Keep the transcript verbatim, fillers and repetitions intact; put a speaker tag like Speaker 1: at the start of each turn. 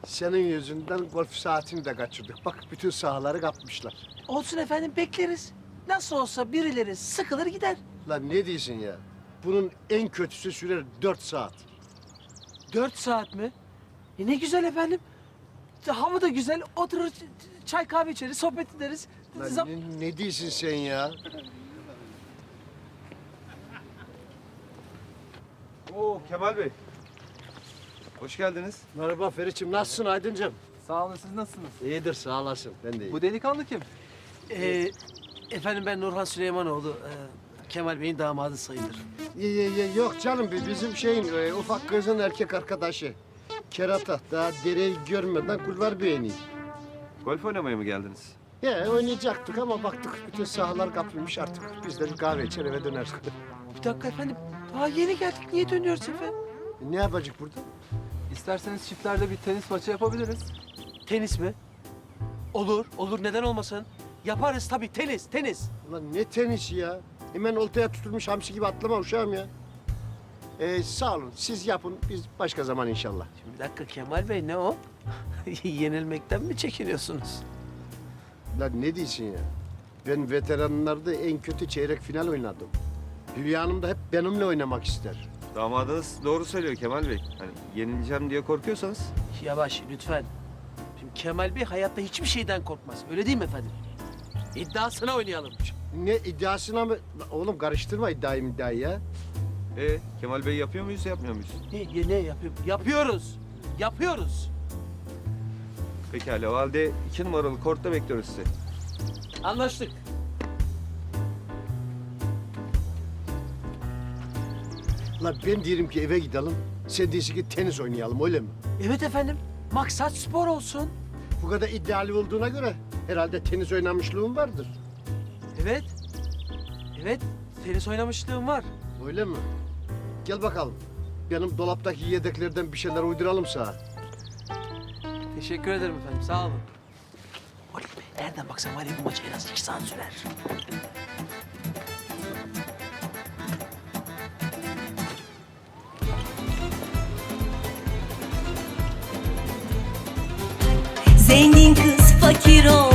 Speaker 1: Senin yüzünden golf saatini de kaçırdık. Bak bütün sahaları kapmışlar.
Speaker 2: Olsun efendim bekleriz. Nasıl olsa birileri sıkılır gider.
Speaker 1: Lan ne diyorsun ya? Bunun en kötüsü sürer dört saat.
Speaker 2: Dört saat mi? E ne güzel efendim. Hava da güzel. Oturur ç- çay kahve içeriz, sohbet ederiz.
Speaker 1: Lan
Speaker 2: Zam-
Speaker 1: ne, ne diyorsun sen ya?
Speaker 3: Oo Kemal Bey. Hoş geldiniz.
Speaker 1: Merhaba Feriç'im, nasılsın Aydıncığım?
Speaker 4: Sağ olun, siz nasılsınız?
Speaker 1: İyidir, sağ olasın. Ben de iyiyim.
Speaker 4: Bu delikanlı kim?
Speaker 2: Ee, efendim ben Nurhan Süleymanoğlu. Ee, Kemal Bey'in damadı sayılır.
Speaker 1: Ye, ye, ye, yok canım, bi- bizim şeyin e, ufak kızın erkek arkadaşı. Kerata, daha dereyi görmeden kulvar beğeni.
Speaker 3: Golf oynamaya mı geldiniz?
Speaker 1: Ya oynayacaktık ama baktık bütün sahalar kapılmış artık. Biz de bir kahve içer eve döneriz.
Speaker 2: Bir dakika efendim. Daha yeni geldik. Niye dönüyoruz efendim?
Speaker 1: ne yapacak burada?
Speaker 4: İsterseniz çiftlerde bir tenis maçı yapabiliriz.
Speaker 2: Tenis mi? Olur, olur. Neden olmasın? Yaparız tabii. Tenis, tenis.
Speaker 1: Ulan ne tenisi ya? Hemen oltaya tutulmuş hamsi gibi atlama uşağım ya. Ee, sağ olun, siz yapın, biz başka zaman inşallah.
Speaker 2: Şimdi bir dakika Kemal Bey ne o? Yenilmekten mi çekiniyorsunuz?
Speaker 1: Lan ne diyorsun ya? Ben veteranlarda en kötü çeyrek final oynadım. Hülya Hanım da hep benimle oynamak ister.
Speaker 3: Damadınız doğru söylüyor Kemal Bey. Hani yenileceğim diye korkuyorsanız.
Speaker 2: Yavaş lütfen. Şimdi Kemal Bey hayatta hiçbir şeyden korkmaz. Öyle değil mi efendim? İddiasına oynayalım.
Speaker 1: Ne iddiasına mı? Lan oğlum karıştırma iddiayı iddiayı ya.
Speaker 3: E Kemal Bey yapıyor muyuz yapmıyor muyuz?
Speaker 2: Ne, ne yapıyor? Yapıyoruz. Yapıyoruz.
Speaker 3: Pekala o halde iki numaralı kortta bekliyoruz sizi.
Speaker 2: Anlaştık.
Speaker 1: Lan ben diyelim ki eve gidelim. Sen diyorsun ki tenis oynayalım öyle mi?
Speaker 2: Evet efendim. Maksat spor olsun.
Speaker 1: Bu kadar iddialı olduğuna göre herhalde tenis oynamışlığın vardır.
Speaker 2: Evet. Evet. Tenis oynamışlığım var.
Speaker 1: Öyle mi? Gel bakalım. Benim dolaptaki yedeklerden bir şeyler uyduralım sana.
Speaker 2: Teşekkür ederim efendim. Sağ olun. Oley be. Nereden baksan var ya bu maç en az iki saat sürer.
Speaker 5: Zengin kız fakir ol